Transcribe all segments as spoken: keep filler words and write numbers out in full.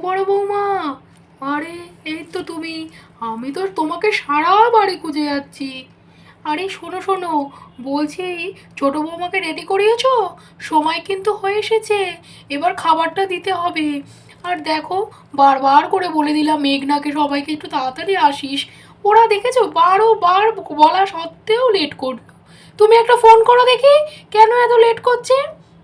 বড় বৌমা, আরে এই তো তুমি। আমি তো তোমাকে সারা বাড়ি খুঁজে যাচ্ছি। আরে শোনো শোনো, বলছি ছোট বৌমাকে রেডি করিয়েছো? সময় কিন্তু হয়ে এসেছে, এবার খাবারটা দিতে হবে। আর দেখো, বারবার করে বলে দিলাম মেঘনাকে সবাইকে একটু তাড়াতাড়ি আসিস। ওরা দেখেছো বারো বার বলা সত্ত্বেও লেট করলো। তুমি একটা ফোন করো দেখি, কেন এত লেট করছে?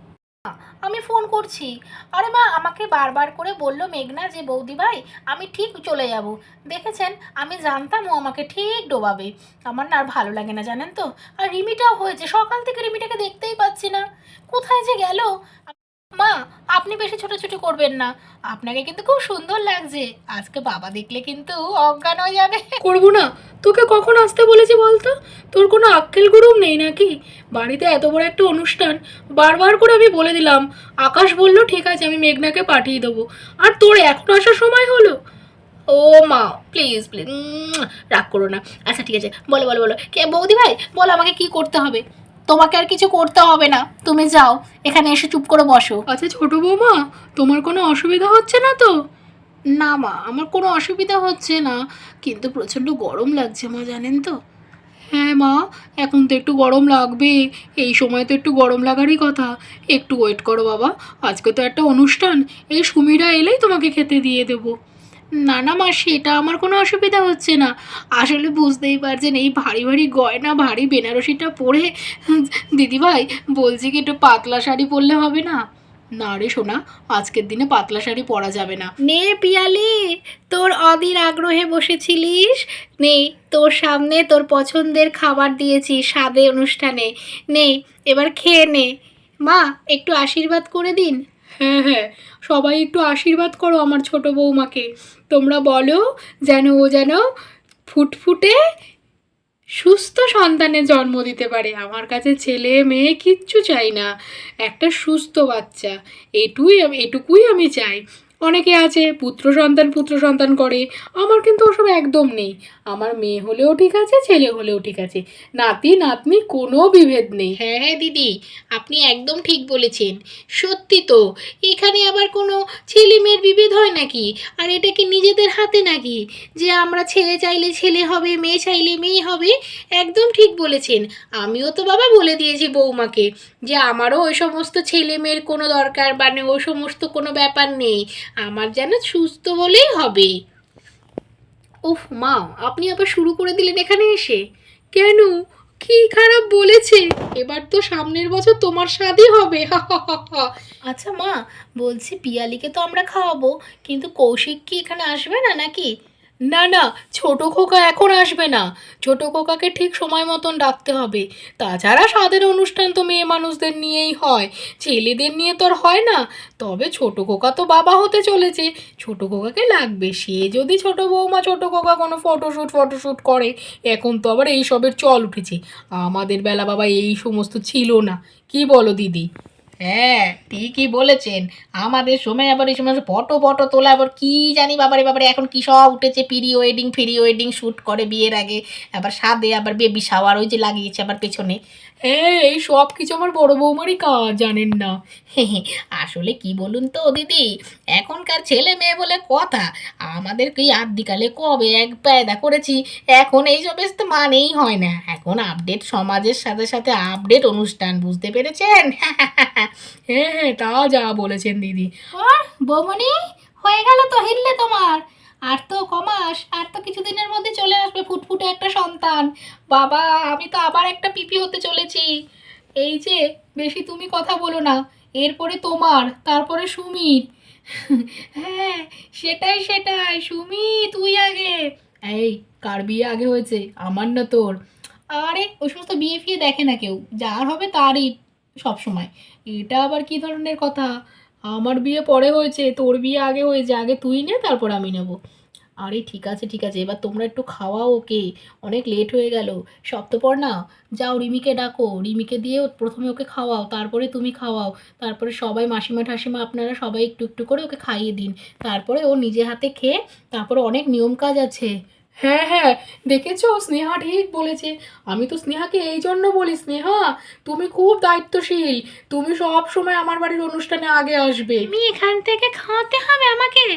আমি ফোন করছি। আরে মা, আমাকে বারবার করে বলল মেঘনা যে বৌদি ভাই আমি ঠিক চলে যাব। দেখেছেন, আমি জানতাম ও আমাকে ঠিক ডোবাবে। আমার না আর ভালো লাগে না জানেন তো। আর রিমিটাও হয়েছে, সকাল থেকে রিমিটাকে দেখতেই পাচ্ছি না, কোথায় যে গেল। মা, আপনি বেশি ছোটাছুটি করবেন না, আপনাকে কিন্তু খুব সুন্দর লাগছে। আজকে বাবা দেখলে কিন্তু অজ্ঞান হয়ে যাবে। করবো না? তোকে কখন আসতে বলেছি বলতো? তোর কোনো আক্কেল গুরুম নেই নাকি? বাড়িতে এত বড় একটা অনুষ্ঠান, বারবার করে আমি বলে দিলাম। আকাশ বলল ঠিক আছে, আমি মেঘনাকে পাঠিয়ে দেবো। আর তোর এখন আসার সময় হলো? ও মা, প্লিজ প্লিজ, রাগ করো না। আচ্ছা ঠিক আছে, বলো বলো বলো, কে বৌদি ভাই বলো আমাকে কি করতে হবে? তোমাকে আর কিছু করতে হবে না, তুমি যাও, এখানে এসে চুপ করে বসো। আচ্ছা ছোট বৌমা, তোমার কোনো অসুবিধা হচ্ছে না তো? না মা, আমার কোনো অসুবিধা হচ্ছে না, কিন্তু প্রচণ্ড গরম লাগছে মা, জানেন তো। হ্যাঁ মা, এখন তো একটু গরম লাগবে, এই সময় তো একটু গরম লাগারই কথা। একটু ওয়েট করো বাবা, আজকে তো একটা অনুষ্ঠান, এই সুমিরা এলেই তোমাকে খেতে দিয়ে দেবো। না না মা, সেটা আমার কোনো অসুবিধা হচ্ছে না। আসলে বুঝতেই পারছেন, এই ভারী ভারী গয়না ভারী বেনারসিটা পরে দিদিভাই বলছি কি একটু পাতলা শাড়ি পরলে হবে না? না রে সোনা, আজকের দিনে পাতলা শাড়ি পরা যাবে না। নে পিয়ালি, তোর অধীর আগ্রহে বসেছিলিস, নে তোর সামনে তোর পছন্দের খাবার দিয়েছি স্বাদে অনুষ্ঠানে, নে এবার খেয়ে নে। মা, একটু আশীর্বাদ করে দিন। হ্যাঁ হ্যাঁ, সবাই একটু আশীর্বাদ করো আমার ছোট বৌমাকে। তোমরা বলো যেন ও যেন ফুটফুটে সুস্থ সন্তানের জন্ম দিতে পারে। আমার কাছে ছেলে মেয়ে কিচ্ছু চাই না, একটা সুস্থ বাচ্চা, এটুই আমি এটুকুই আমি চাই। অনেকে আছে পুত্র সন্তান পুত্র সন্তান করে, আমার কিন্তু ওসব একদম নেই। আমার মেয়ে হলেও ঠিক আছে, ছেলে হলেও ঠিক আছে, নাতি নাতনি কোনো বিভেদ নেই। হ্যাঁ হ্যাঁ দিদি, আপনি একদম ঠিক বলেছেন। সত্যি তো, এখানে আবার কোনো ছেলে মেয়ের বিভেদ হয় নাকি? আর এটা কি নিজেদের হাতে নাকি যে আমরা ছেলে চাইলে ছেলে হবে, মেয়ে চাইলে মেয়ে হবে? একদম ঠিক বলেছেন। আমিও তো বাবা বলে দিয়েছি বৌমাকে যে আমারও ওই সমস্ত ছেলে মেয়ের কোনো দরকার, মানে ওই সমস্ত কোনো ব্যাপার নেই, আমার যেন সুস্থ হলেই হবে। উফ মা, আপনি আবার শুরু করে দিলেন এখানে এসে। কেন, কি খারাপ বলেছে? এবার তো সামনের বছর তোমার শাদী হবে, হা হা হা হা। আচ্ছা মা, বলছি পিয়ালিকে তো আমরা খাওয়াবো, কিন্তু কৌশিক কি এখানে আসবে না নাকি? না না, ছোট খোকা এখন আসবে না। ছোট খোকাকে ঠিক সময় মতন ডাকতে হবে। তাছাড়া স্বাদের অনুষ্ঠান তো মেয়ে মানুষদের নিয়েই হয়, ছেলেদের নিয়ে তো আর হয় না। তবে ছোট খোকা তো বাবা হতে চলেছে, ছোট খোকাকে লাগবে। সে যদি ছোট বৌমা ছোট খোকা কোনো ফটোশ্যুট ফটোশ্যুট করে, এখন তো আবার এইসবের চল উঠেছে। আমাদের বেলা বাবা এই সমস্ত ছিল না, কি বলো দিদি? হ্যাঁ ঠিকই বলেছেন, আমাদের সময় আবার এই সময় ফটো ফটো তোলা, আবার কি জানি বাবারে বাবারে এখন কি সব উঠেছে, pre wedding free wedding shoot করে বিয়ের আগে, আবার সাদে আবার বেবি শাওয়ার ওই যে লাগিয়েছে আবার পেছনে। হ্যাঁ, এই সব কিছু আমার বড় বৌমারই কাজ, জানেন না। আসলে কি বলুন তো দিদি, এখনকার ছেলে মেয়ে বলে কথা, আমাদের কি আদ্যিকালে কবে এক পায়দা করেছি, এখন এই সব তো মানেই হয় না, এখন আপডেট সমাজের সাথে সাথে আপডেট অনুষ্ঠান, বুঝতে পেরেছেন? হ্যাঁ হ্যাঁ, তা যা বলেছেন দিদি। আর বৌমনি, হয়ে গেল তো হিললে তোমার, আর তো কমাস, আর তো কিছুদিনের মধ্যে চলে আসবে ফুটফুটে একটা সন্তান। বাবা, আমি তো আবার একটা পিপি হতে চলেছি। এই যে, বেশি তুমি কথা বলো না, এরপরে তোমার, তারপরে সুমির। হ্যাঁ, সেটাই সেটাই, সুমি তুই আগে। এই, কার বিয়ে আগে হয়েছে, আমার না তোর? আরে ওই সমস্ত বিয়ে ফিয়ে দেখে না কেউ, যার হবে তারই সব সময়। এটা আবার কি ধরনের কথা? আমার বিয়ে পরে হয়েছে, তোর বিয়ে আগে হয়েছে, আগে তুই নে তারপর আমি নেব। আরে ঠিক আছে ঠিক আছে, এবার তোমরা একটু খাওয়াও ওকে, অনেক লেট হয়ে গেল। সপ্তপর না, যাও রিমিকে ডাকো, রিমিকে দিয়ে প্রথমে ওকে খাওয়াও, তারপরে তুমি খাওয়াও, তারপরে সবাই মাসিমা ঠাসিমা আপনারা সবাই একটু একটু করে ওকে খাইয়ে দিন, তারপরে ও নিজে হাতে খেয়ে, তারপরে অনেক নিয়ম কাজ আছে। হ্যাঁ হ্যাঁ, দেখেছো স্নেহা ঠিক বলেছে। আমি তো স্নেহাকে এই জন্য বলি, স্নেহা তুমি খুব দায়িত্বশীল, তুমি সব সময় আমার বাড়ির অনুষ্ঠানে আগে আসবে। তুমি এখান থেকে খাওয়াতে হবে আমাকে?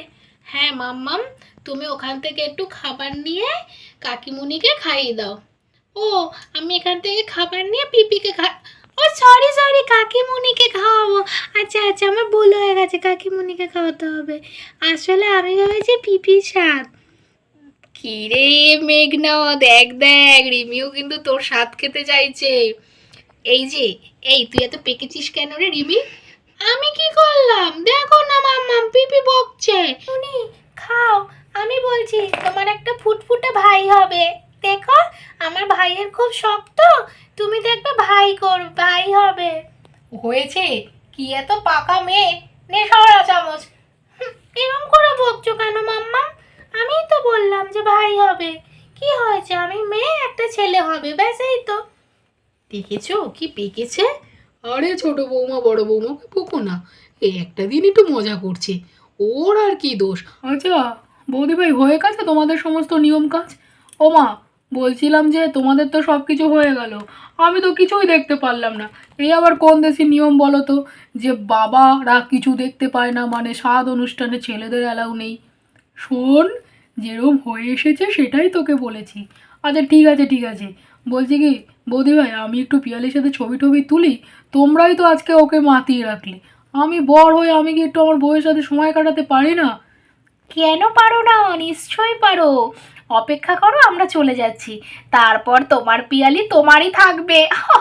হ্যাঁ মাম্মাম, তুমি ওখান থেকে একটু খাবার নিয়ে কাকিমুনিকে খাইয়ে দাও। ও, আমি এখান থেকে খাবার নিয়ে পিপিকে খা ও সরি সরি কাকিমুনিকে খাওয়াবো। আচ্ছা আচ্ছা, আমার ভুল হয়ে গেছে, কাকিমুনিকে খাওয়াতে হবে। আসলে আমি ভেবেছি পিপি শাক। কি রে মেঘনা, দেখ দেখ রিমিও কিন্তু তোর স্বাদ খেতে চাইছে। এই যে, এই তুই এত পেকেছিস কেন রে রিমি? আমি কি করলাম? দেখো না মাম্মাম, পিপি বকছে। উনি খাও, আমি বলছি তোমার একটা ফুটফুটে ভাই হবে। দেখো, আমার ভাইয়ের খুব শখ তো, তুমি দেখবে ভাই কর ভাই হবে। হয়েছে কি এত পাকা মেয়ে, নে সরা চামচ। হুম, এরম করে বকছো কেন মাম্মা? আমিই তো বললাম যে ভাই হবে। কি হয়েছে, আমি মেয়ে, একটা ছেলে হবে, ব্যাস এই তো। দেখেছো কি পেকেছে? আরে ছোট বৌমা বড় বৌমাকে বকো না, এই একটা দিন একটু মজা করছে, ওর আর কি দোষ। আচ্ছা বৌদি ভাই, হয়ে গেছে তোমাদের সমস্ত নিয়ম কাজ? ও মা, বলছিলাম যে তোমাদের তো সব কিছু হয়ে গেল, আমি তো কিছুই দেখতে পারলাম না। এই আবার কোন দেশি নিয়ম বলো তো, যে বাবারা কিছু দেখতে পায় না, মানে স্বাদ অনুষ্ঠানে ছেলেদের অ্যালাউ নেই। শোন, যেরকম হয়ে এসেছে সেটাই তোকে বলেছি। আচ্ছা ঠিক আছে ঠিক আছে, বলছি কি বৌদি ভাই, আমি একটু পিয়ালির সাথে ছবি টবি তুলি, তোমরাই তো আজকে ওকে মাতিয়ে রাখলে, আমি বর হয়ে আমি কি একটু আমার বউয়ের সাথে সময় কাটাতে পারি না? কেন পারো না? নিশ্চয়ই পারো। অপেক্ষা করো, আমরা চলে যাচ্ছি, তারপর তোমার পিয়ালি তোমারই থাকবে।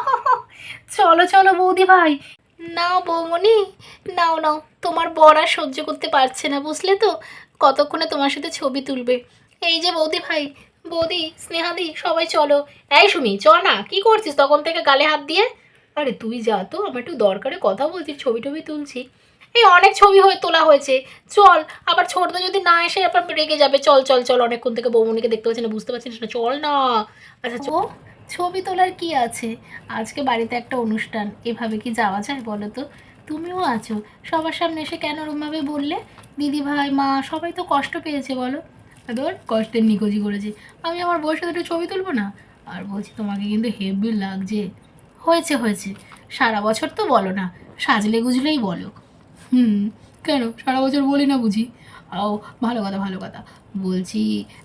চলো চলো বৌদি ভাই। নাও বৌমনি, নাও নাও, তোমার বর আর সহ্য করতে পারছে না, বুঝলে তো, কতক্ষণে তোমার সাথে ছবি তুলবে। এই যে বৌদি ভাই, বৌদি, স্নেহাদি, সবাই চলো। এই সুমি, চ না, কি করছিস তখন থেকে গালে হাত দিয়ে? আরে তুই যা তো, আমার একটু দরকারে কথা বলছি, ছবি টবি তুলছি। এই অনেক ছবি হয়ে তোলা হয়েছে, চল। আবার ছোটদা যদি না এসে আবার রেগে যাবে। চল চল চল, অনেকক্ষণ থেকে বৌমনিকে দেখতে পাচ্ছি না, বুঝতে পারছিস না, চল না। আচ্ছা ও, ছবি তোলার কি আছে, আজকে বাড়িতে একটা অনুষ্ঠান, এভাবে কি যাওয়া যায় বলো তো? তুমিও আছো, সবার সামনে এসে কেন ওরমভাবে বললে? দিদি ভাই মা সবাই তো কষ্ট পেয়েছে, বলো। ধর কষ্টের নিখোঁজি করেছি, আমি আমার বউয়ের সাথে একটু ছবি তুলবো না? আর বলছি তোমাকে কিন্তু হেভি লাগছে। হয়েছে হয়েছে, সারা বছর তো বলো না, সাজলে গুজলেই বলো। হুম, কেন সারা বছর বলি না বুঝি? ও ভালো কথা ভালো কথা, বলছি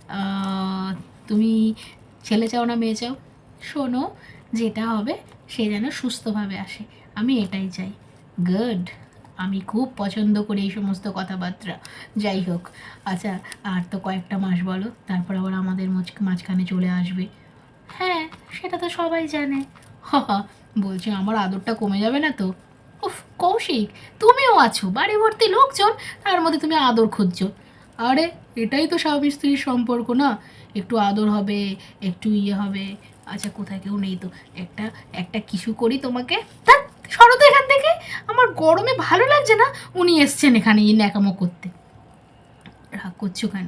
আহ, তুমি ছেলে চাও না মেয়ে চাও? শোনো, যেটা হবে সে যেন সুস্থভাবে আসে, আমি এটাই চাই। গুড, আমি খুব পছন্দ করি এই সমস্ত কথাবার্তা। যাই হোক, আচ্ছা আর তো কয়েকটা মাস বলো, তারপর আবার আমাদের মাঝ- মাঝখানে চলে আসবে। হ্যাঁ, সেটা তো সবাই জানে। হা হা, বলছি আমার আদরটা কমে যাবে না তো? উফ কৌশিক, তুমিও আছো, বাড়ি ভর্তি লোকজন, তার মধ্যে তুমি আদর খুঁজছো? আরে এটাই তো স্বামী স্ত্রীর সম্পর্ক না, একটু আদর হবে, একটু ইয়ে হবে। আচ্ছা কোথায় কেউ নেই তো, একটা একটা কিছু করি তোমাকে। তা সরো তো এখান থেকে, আমার গরমে ভালো লাগছে না। উনি এসছেন এখানে এই ন্যাকামো করতে। রাগ করছো কেন?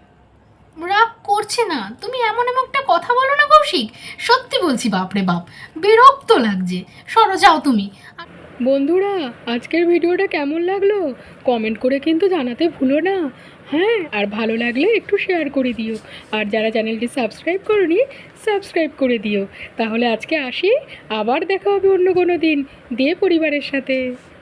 রাগ করছে না, তুমি এমন এমন একটা কথা বলো না কৌশিক, সত্যি বলছি, বাপরে বাপ, বিরক্ত লাগছে। সরো যাও তুমি। বন্ধুরা, আজকের ভিডিওটা কেমন লাগলো কমেন্ট করে কিন্তু জানাতে ভুলো না। হ্যাঁ, আর ভালো লাগলে একটু শেয়ার করে দিও, আর যারা চ্যানেলটি সাবস্ক্রাইব করনি সাবস্ক্রাইব করে দিও। তাহলে আজকে আসি, আবার দেখা হবে অন্য কোনো দিন দে পরিবারের সাথে।